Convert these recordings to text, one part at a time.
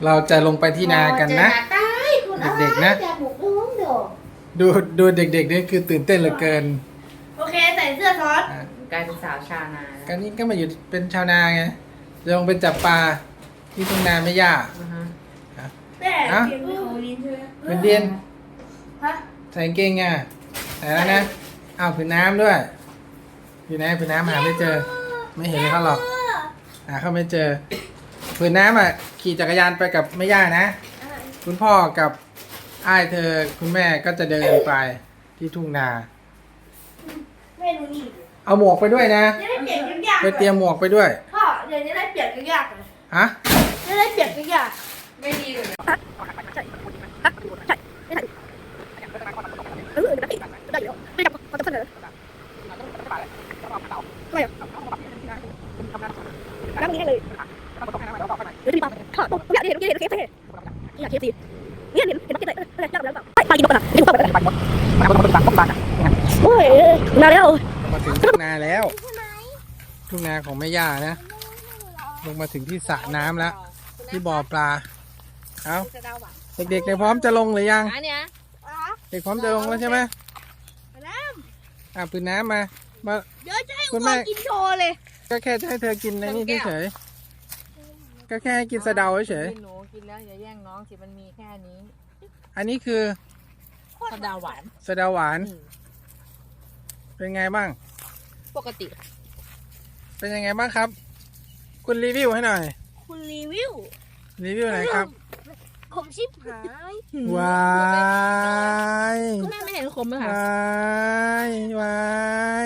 เราจะลงไปที่นากันนะเด็กๆนะดูเด็กๆนี่คือตื่นเต้นเหลือเกินโอเคใส่เสื้อซอสกลายเป็นสาวชาวนาการนี้ก็มาอยู่เป็นชาวนาไงจะลงไปจับปลาที่ทุ่งนาไม่ยากแม่เกียงของลิ้นใช่ไหมเป็นเดียนฮะใส่เกงไงใส่แล้วนะเอาผืนน้ำด้วยอยู่ไหนผืนน้ำหาไม่เจอไม่เห็นเขาหรอกหาเขาไม่เจอผืนน้ำขี่จักรยานไปกับแม่ย่านะคุณพ่อกับอ้ายเธอคุณแม่ก็จะเดินไปที่ทุ่งนาแม่ดูนี่เอาหมวกไปด้วยนะจะได้เปียกยากไปเตรียมหมวกไปด้วยพ่อเดี๋ยวจะได้เปียกยากเลยฮะจะได้เปียกยากไม่ดีเลยน้ำนี้เลยเดี๋ยวดีป่ะถอดปุ๊บเนี่ยเห็นเค้กอยากเค้กสิเนี่ยเห็นบักเก็ตเลยยากแล้วแบบไปกินนกนะกินนกแบบโอ้ยมาแล้วมาถึงทุ่งนาแล้วทุ่งนาของแม่ย่านะลงมาถึงที่สระน้ำแล้วที่บ่อปลาเอาเด็กๆในพร้อมจะลงหรือยังเด็กพร้อมจะลงแล้วใช่ไหมปืนน้ำมาเดี๋ยวจะให้คุณแม่กินโชว์เลยก็แค่จะให้เธอกินในนี่เฉยก็แค่ให้กินสะเดาเฉยหนูกินแล้วอย่าแย่งน้องสิมันมีแค่นี้อันนี้คือสะเดาหวานสะเดาหวานเป็นไงบ้างปกติเป็นยังไงบ้างครับคุณรีวิวให้หน่อยคุณรีวิวหน่อยครับผมชิบหายวายคุณแม่ไม่เห็นขมเลยค่ะวาย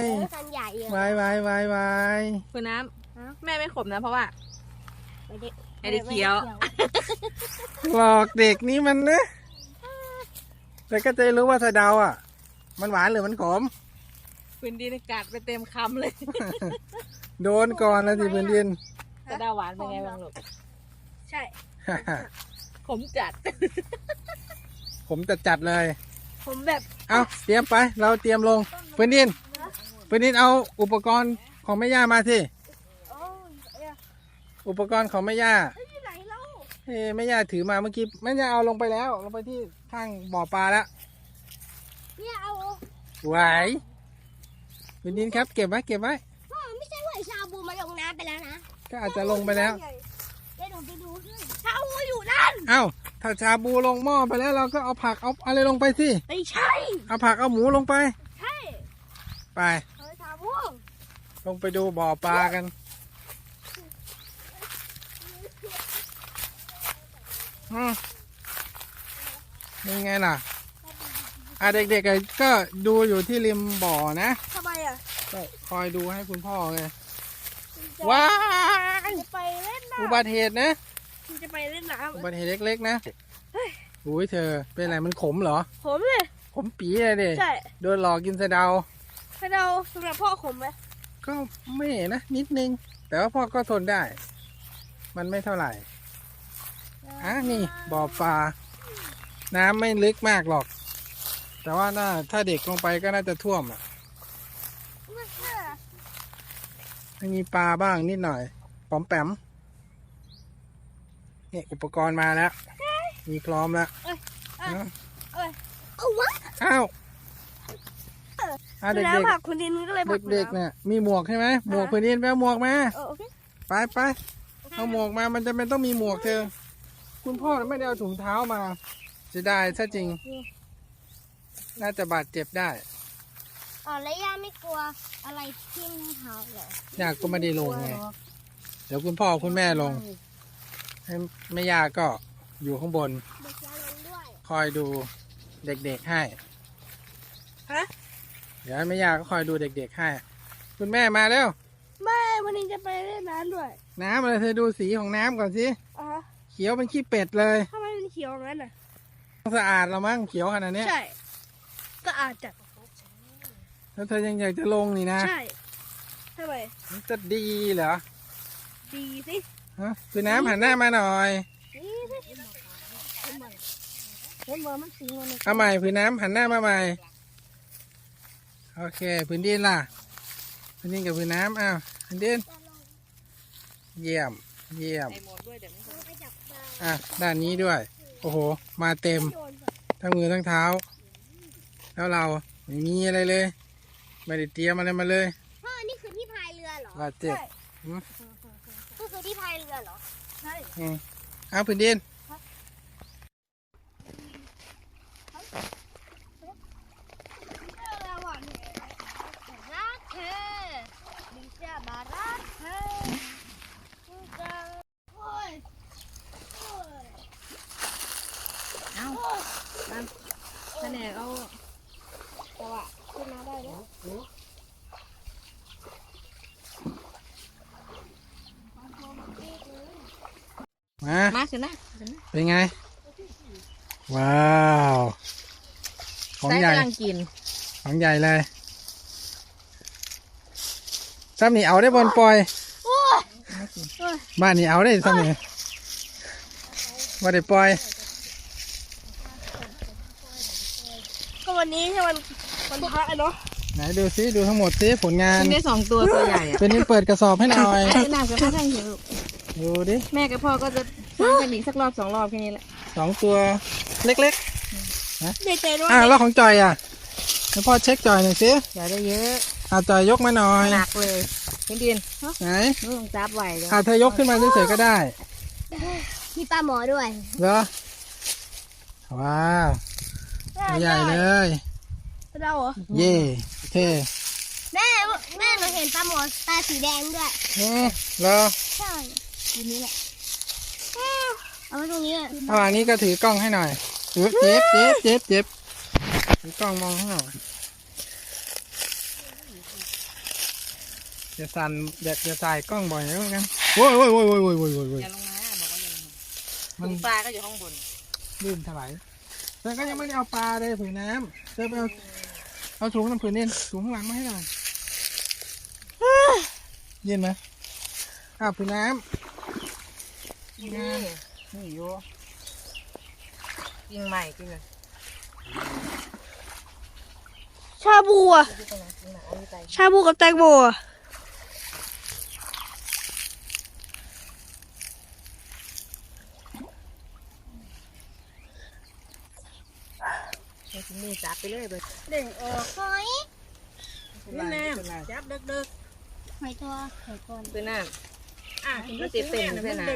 คุณน้ำแม่ไม่ขมนะเพราะว่าไม่ได้เคี้ยวหลอกเด็กนี่มันนะแต่ก็จะรู้ว่าสะเดามันหวานหรือมันขมพื้นดินกัดไปเต็มคำเลยโดนก่อนแล้วสิพื้นดินสะเดาหวานเป็นไงบ้างลูกใช่ขมจัดผมจัดเลยผมแบบเอาเตรียมไปเราเตรียมลงพื้นดินเอาอุปกรณ์ของแม่ย่ามาสิอุปกรณ์ของแม่ย่าแม่ย่าถือมาเมื่อกี้แม่ย่าเอาลงไปแล้วลงไปที่ข้างบ่อปลาแล้วเนี่ยเอาไหวพื้นดินครับเก็บไว้พ่อไม่ใช่ว่าชาบูมาลงน้ำไปแล้วนะก็อาจจะลงไปแล้วเดี๋ยวหนูไปดูชาบูอยู่นั่นถ้าชาบูลงหม้อไปแล้วเราก็เอาผักเอาอะไรลงไปสิไม่ใช่เอาผักเอาหมูลงไปใช่ไปชาบูลงไปดูบ่อปลากันยังไงล่ะเด็กๆก็ดูอยู่ที่ริมบ่อนะทำไมก็คอยดูให้คุณพ่อไงว้าจะไปเล่นน้ำอุบัติเหตุนะจะไปเล่นน้ำอุบัติเหตุเล็กๆนะอุ้ยเธอเป็นอะไรมันขมเหรอขมเลยขมปีเลยดิใช่โดนหลอกกินสะเดาสำหรับพ่อขมไหมก็ไม่นะนิดนึงแต่ว่าพ่อก็ทนได้มันไม่เท่าไหร่นี่บ่อปลาน้ำไม่ลึกมากหรอกแต่ว่าถ้าเด็กลงไปก็น่าจะท่วมมีปลาบ้างนิดหน่อยปอมแปมนี่อุปกรณ์มาแล้วมีพร้อมแล้วเด็กๆคุณดินก็เลยเด็กๆเนี่ยมีหมวกใช่ไหมหมวกพื้นดินไปเอาหมวกมาไปเอาหมวกมามันจะเป็นต้องมีหมวกเธอคุณพ่อไม่ได้เอาถุงเท้ามาจะได้ถ้าจริงน่าจะบาดเจ็บได้แล้วย่าไม่กลัวอะไรที่มือเท้าเหรอยากก็ไม่ได้ลงไงเดี๋ยวคุณพ่อคุณแม่ลงให้แม่ย่าก็อยู่ข้างบนคอยดูเด็กๆให้เดี๋ยวแม่ย่าก็คอยดูเด็กๆให้คุณแม่มาแล้วแม่วันนี้จะไปเล่นน้ำด้วยน้ำอะไรเธอดูสีของน้ำก่อนสิเขียวเป็นขี้เป็ดเลยทำไมเป็นเขียวงั้นสะอาดแล้วมั้งเขียวขนาดนี้ใช่ก็อาจจะแล้วเธอยังอยากจะลงนี่นะใช่ทำไมจะดีเหรอดีสิคือน้ำหันหน้ามาหน่อยเอาใหม่พื้นน้ำหันหน้ามาใหม่โอเคพื้นดินล่ะพื้นดินกับพื้นน้ำพื้นดินเยี่ยมอ่ะด้านนี้ด้วย โอ้โห มาเต็มทั้งมือทั้งเท้า แล้วเราไม่มีอะไรเลย ไม่ได้เตรียมอะไรมาเลยพ่อนี่คือที่พายเรือเหรอบาดเจ็บก็คือที่พายเรือเหรอใช่เอาพื้นดินรักเธอดิฉันมารักเธอโอ้ยเอาแผนกเอาแต่ว่าขึ้นมาได้แล้วมามาขึ้นนะเป็นไง ว้าว ของใส่ใหญ่กำลังกินของใหญ่เลยซ้ำนี่เอาได้บอลปล่อย บ้านนี่เอาได้ซ้ำนี่ว่าได้ปล่อยก็วันนี้ใช่วันพระเนาะไหนดูซิดูทั้งหมดซิผลงานกินได้2 ตัวตัวใหญ่อะเป็นนี่เปิดกระสอบให้หน่อยไอ้น้ำกับพ่อท่านหิวดูดิแม่กับพ่อก็จะทำกันอีกสักรอบ2 รอบแค่นี้แหละ 2 ตัวเล็กดีใจด้วๆยแล้วของจอยอ่ะให้พ่อเช็คจอยหน่อยสิอย่าได้เยอะจอยยกมาหน่อยหนักเลยพี่ดินไหนนู่นจับไหวเลยเธอยกขึ้นมาเฉยๆก็ได้มีปลาหมอด้วยเหรอ ว้าวใหญ่เลยเราเหรอเย่โอเคแม่หนูเห็นปลาหมอตาสีแดงด้วยเหรอใช่ทีนี้แหละเอาไว้ตรงนี้อะระหว่างนี้ก็ถือกล้องให้หน่อยเจ็บถือกล้องมองให้หน่อยอย่าสั่นอย่าใส่กล้องบ่อยนะกันโว้ยอย่าลงมาบอกว่าอย่าลงมามันปลาก็อยู่ข้างบนลื่นถลายแต่ก็ยังไม่ได้เอาปลาเลยผืนน้ำเธอไปเอาถุงน้ำผืนเย็นถุงข้างหลังมาให้หน่อยเย็นไหมผืนน้ำนี่อยู่กินใหม่กินเลยชาบูอะชาบูกับแตงโมอะกินนี่จับไปเลยเบิดเด้งออกหอยนี่แน่จับเด็กหอยตัวหอยก้อนๆคือน้ำก็ติดเต็มเพื่อนนะ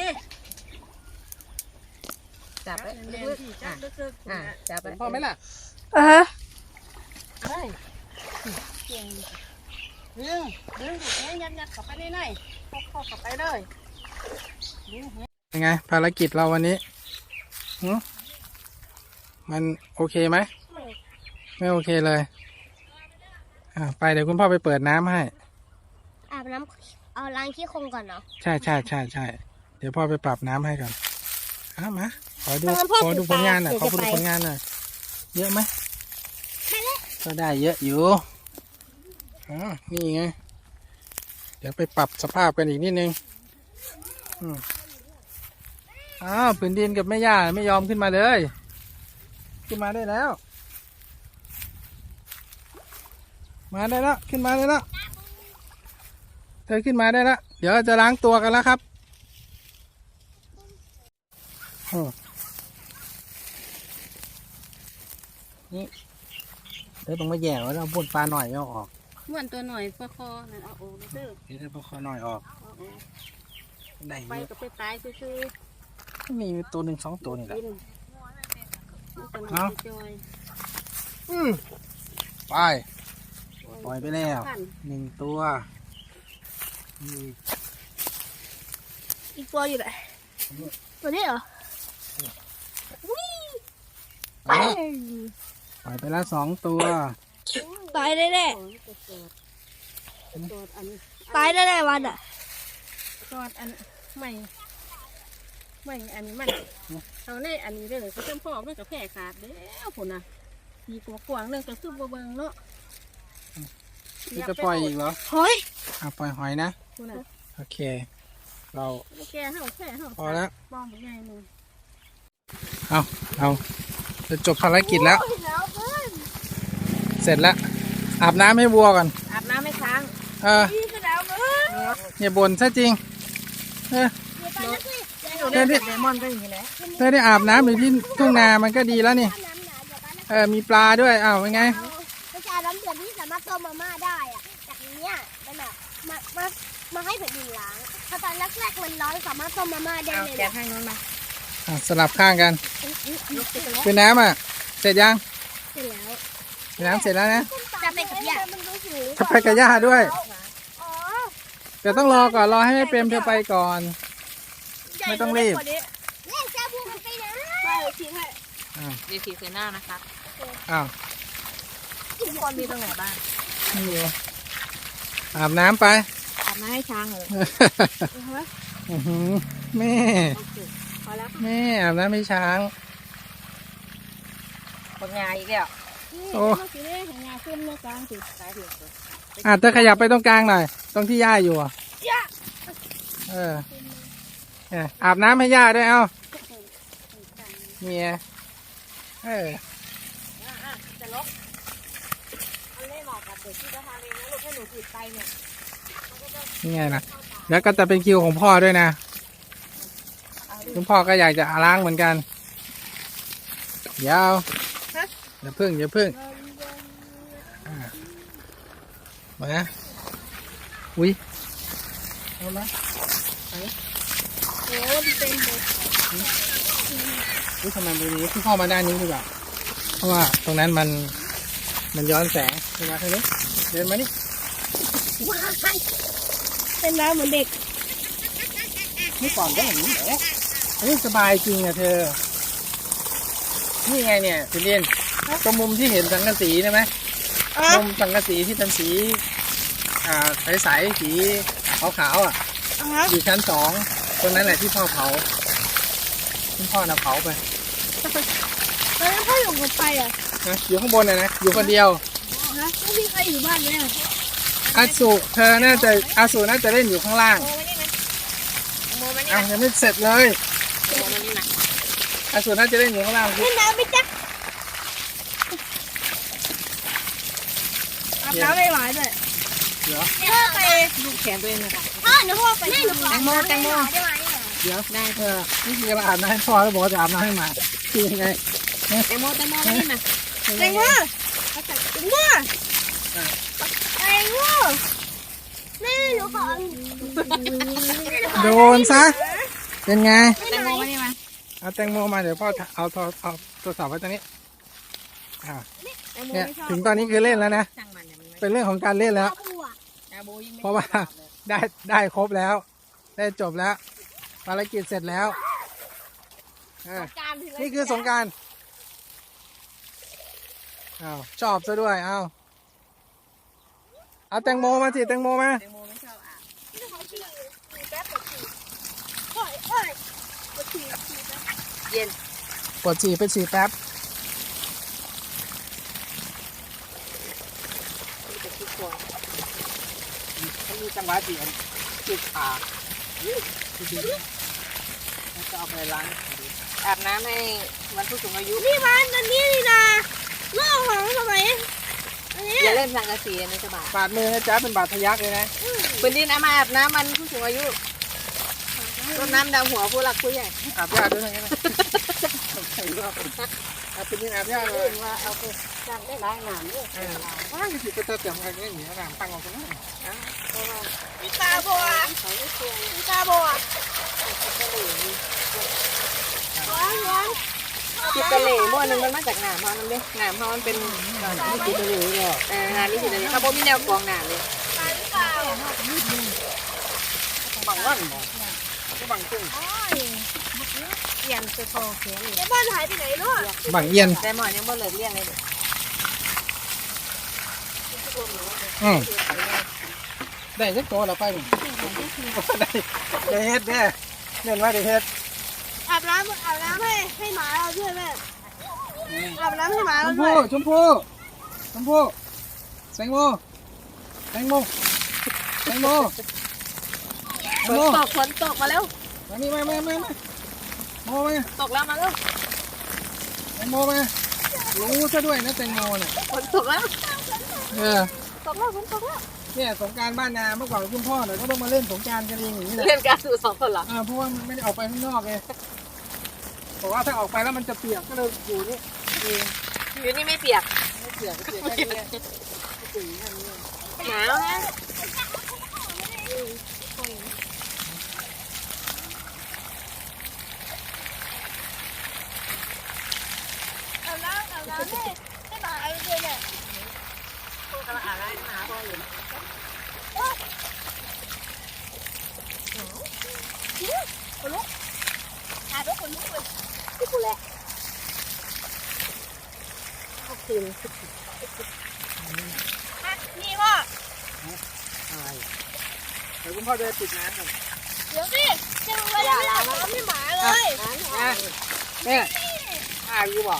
จับไปลึกๆจับไปพอไหมล่ะอ่ะฮะยังไงภารกิจเราวันนี้หึมันโอเคไหมไม่โอเคเลยไปเดี๋ยวคุณพ่อไปเปิดน้ำให้อาบน้ำเอาล้างขี้โครงก่อนเนาะใช่เดี๋ยวพ่อไปปรับน้ำให้ก่อนมาขอดูงั้นพ่อขอดูถือผลงานหน่อยปขลาอดูเดี๋ยวจะผลไปงานหน่อยเยอะไหมก็ได้เยอะอยู่นี่ไงเดี๋ยวไปปรับสภาพกันอีกนิดนึงผืนดินกับแม่ย่าไม่ยอมขึ้นมาเลยขึ้นมาได้แล้ว มาได้แล้วขึ้นมาได้แล้วเธอขึ้นมาได้แล้วเดี๋ยวจะล้างตัวกันแล้วครับนี่เธอต้องมาแย่ว่าเราพ่นปลาหน่อยเอาออกเหมือนตัวหน่อยคอนั่นเอาโอ้เด้อเดี๋ยวเธอพอคอหน่อยออกได้ไปเยอะก็ไปตายซื่อมีตัวหนึ่งสองตัวนี่แหละกินเอาจอยไปปล่อยไปแล้วหนึ่งตัวนี่อีกตัวอยู่ไหนตัวนี้เหรอเอาปล่อยไปแล้วสองตัวตายแน่ตัวอันๆตายแน่ๆวันอ่ะตัวอันไม่อันนี้มันเอาในอันนี้เลยเขาเชื่อมพ่อมันกับแผลขาดแล้วผลน่ะมีกวางๆเรื่องก็คือบ่เบิ่งเนาะนี่จะปล่อยอีกเหรอหอยปล่อยหอยนะคุณน่ะโอเค เราแกเฮาแค่เฮาพอแล้วป้องใหญ่นึงเราจะจบภารกิจแล้วโอ้ยหนาวเกินเสร็จแล้วอาบน้ำให้วัวก่อนอาบน้ำไม่ค้างพี่ก็หนาวเกินอย่าบ่นซะจริงเดี๋ยวไปนะพี่เดี๋ยวหนูเล่นเลมอนก็อย่างนี้แหละเธอได้อาบน้ำอยู่ที่ทุ่งนามันก็ดีแล้วนี่มีปลาด้วยอ้าวเป็นไงมันจะน้ำเดือดที่สามารถต้มมาม่าได้อะจากนี้เนี่ยมันอะมาให้แผ่นดินล้างถ้าตอนแรกๆมันร้อนสามารถต้มมาม่าได้เอาเลยแกะนะให้น้องมาสลับข้างกันคือน้ำอ่ะเสร็จยังเสร็จแล้วน้ำเสร็จแล้วนะจะไปกับย่าจะไปกับย่าด้วยอ๋อแต่ต้องรอก่อนรอให้แม่เปรมเธอไปก่อน ไม่ต้องรีบเนี่ยแซ่บพูมันไปนะไปทิ้งให้เดี๋ยวสีเซน่านะครับอ้าวทุกคนมีตรงไหนบ้างไม่มีอาบน้ำไปอาบน้ำให้ช้างเหรออื้อหือแม่โอเคพอแล้วแม่อาบน้ำให้ช้างคนงานอีกแล้วโอ้สีนี้ของงานขึ้นเมื่อกลางสิสายถึงเธอขยับไปตรงกลางหน่อยตรงที่ย่าอยู่อ่ะย่าเนี่ยอาบน้ำให้ย่าด้วยเอ้าเมียเออจะลบอันเล่เหมาะกับเด็กที่จะทำเองนะลูกให้หนูติดไปเนี่ยนี่ไงล่ะแล้วก็จะเป็นคิวของพ่อด้วยนะคุณพ่อก็อยากจะล้างเหมือนกันเดี๋ยวอย่าพึ่งมาอุ้ยเอามาโอ้เป็นเลยอุ้ยทำไมตรงนี้คุณพ่อมาด้านนี้ดีกว่าเพราะว่าตรงนั้นมันย้อนแสงขึ้นมาทางนี้เดินมานี่ว้าวเป็นน้ำเหมือนเด็กเมื่อก่อนก็อย่างนี้แหละอันนี้สบายจริงอะเธอ นี่ไงเนี่ยคุณเรียนตรงมุมที่เห็นสังกะสีใช่ไหมมุมสังกะสีที่เป็นสีใสๆสีขาวๆอ่ะอยู่ชั้น2ตรงนั้นแหละที่พ่อเผาคุณพ่อน่ะเผาไปแล้วพ่ออยู่กับไปอ่ะนะอยู่ข้างบนนะอยู่คนเดียวฮะไม่มีใครอยู่บ้านเลยอ่ะอาสุน่าจะเล่นอยู่ข้างล่างโมมานี่อ้าวยังไม่เสร็จเลยโมมานี่นะอาสุน่าจะเล่นอยู่ข้างล่างเล่นน้ำไปจ๊ะอาบน้ำไม่ไหวเลยเดี๋ยวพ่อไปลูกแขนตัวเองนะคะพ่อหนูพ่อไปแตงโมได้ไหมเดี๋ยวนี่คือการอาบน้ำให้พ่อแล้วบอกว่าจะอาบน้ำให้หมาคือยังไงแตงโมมานี่นะแตงโมแตงโมแม่หนูขอโดนซะเป็นไงแตงโมมานี่มาเอาแตงโมมาเดี๋ยวพ่อเอาโทรศัพท์ไว้ตรงนี้เนี่ยถึงตอนนี้คือเล่นแล้วนะช่างมันเนี่ยมันเป็นเรื่องของการเล่นแล้วอาโบยิ่งไม่เพราะว่าได้ครบแล้ว ได้จบแล้วภารกิจเสร็จแล้วนี่คือสงกรานต์อ้าวชอบซะด้วยเอาแตงโมมาสิแตงโมมาแตงโมไม่ชอบอาบ เย็นปวดฉี่ไปฉี่แป๊บมีแต่ทุกคนมันมีจังหวะเสียงติดขาจะเอาไปล้างอาบน้ำให้วันผู้สูงอายุนี่มันอันนี้นี่นะโลกของทำไมอันนี้อย่าเล่นสังกะสีในสบายบาดมือนะจ๊ะเป็นบาดทะยักเลยนะปืนดินเอามาอาบน้ำมันผู้สูงอายุรดน้ำดำหัวผู้หลักผู้ใหญ่อาบยาด้วยไงนะอาบเป็นอาบยาเลยว่าเอาไปจ้างได้หลายงานเลยว้าวสิก็จะเตรียมอะไรเนี่ยหนีน้ำตั้งเอาตรงนั้นมีตาบัวมีตาบัวร้อนจิตตะเหล่ม้วนหนึ่งมันมาจากหนามเขานั่นเลยหนามเขามันเป็นไม่คิดเลยหรอกงานนี้จิตตะเหล่เขาบอกมีแนวกองหนามเลยบังวันบอกบังตึ้งเรียนจะโตเขียนเลยแล้วบ้านหายไปไหนลูกบังเอียนแต่หมอนยังบ่เลิกเรียนเลยได้สักตัวละไปหนึ่งได้เฮ็ดแน่เน้นว่าได้เฮ็ดอาบน้ำให้หมาเราด้วยแม่อาบน้ำให้หมาชเรามด้วพู่ยแตงโมแตงโมฝนตกมาแล้วมานี่มาโมมาตกแล้วมาแล้วแตงโมมารู้ซะด้วยนะแตงโมเนี่ยฝนตกแล้วเออตกแล้วฝนตกแล้วเนี่ยสงกรานต์บ้านนาเมื่อก่อนคุณพ่อเนี่ยก็ต้องมาเล่นสงกรานต์กันเองอย่างนี้แหละเล่นการสู่2 คนเหรอเพราะว่ามันไม่ได้ออกไปข้างนอกไงบอกว่าถ้าออกไปแล้วมันจะเปียกก็เลยอยู่นี่เองอยู่นี่ไม่เปียกไม่เปียกก็เปียกแค่นี้เปียกแค่นี้หนาวนะเอาน้ำให้หมาเอาเลยเนี่ยพูดกำลังอ่านได้หนาพออยู่หาทุกคนทุกคนที่กูแหละเอาคืนนี่พ่ออะไรเดี๋ยวคุณพ่อจะปิดน้ำก่อนเดี๋ยวสิจะมาเล่นน้ำให้หมาเลยแม่อยู่บอก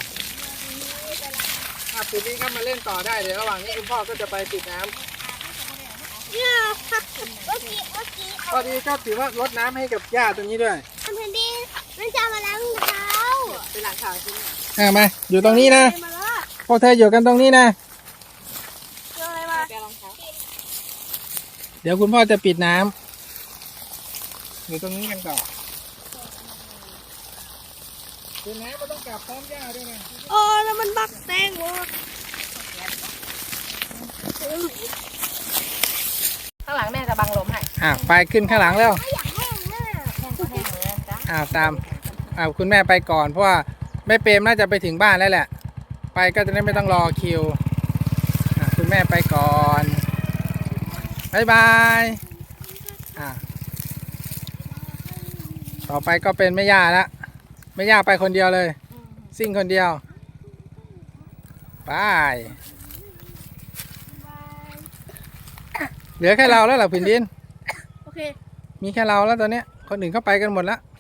ปิดนี้ก็มาเล่นต่อได้เดี๋ยวระหว่างนี้คุณพ่อก็จะไปปิดน้ำเนี่ยเมื่อกี้ตอนนี้ก็ถือว่ารดน้ำให้กับหญ้าตรงนี้ด้วยทำแผ่นดินมันจะมาล้างเท้าเป็นหลังข่าวใช่ไหมมาอยู่ตรงนี้นะมาแล้วพวกเธออยู่กันตรงนี้นะเจออะไรมาแกรองเท้าเดี๋ยวคุณพ่อจะปิดน้ำอยู่ตรงนี้กันต่อปิดน้ำก็ต้องกลับพร้อมหญ้าด้วยนะโอ้แล้วมันบักแตงโมข้างหลังแม่จะบังลมให้ไปขึ้นข้างหลังแล้วอยากแห้งมากแห้งก็แห้งเลยจ้ะตามคุณแม่ไปก่อนเพราะว่าแม่เปรมน่าจะไปถึงบ้านแล้วแหละไปก็จะได้ไม่ต้องรอคิวคุณแม่ไปก่อนบ๊ายบายต่อไปก็เป็นแม่ย่าละแม่ย่าไปคนเดียวเลยซิ่งคนเดียวไปเหลือแค่เราแล้วเหรอผินดินโอเคมีแค่เราแล้วตอนเนี้ยคนอื่นเข้าไปกันหมดแล้ว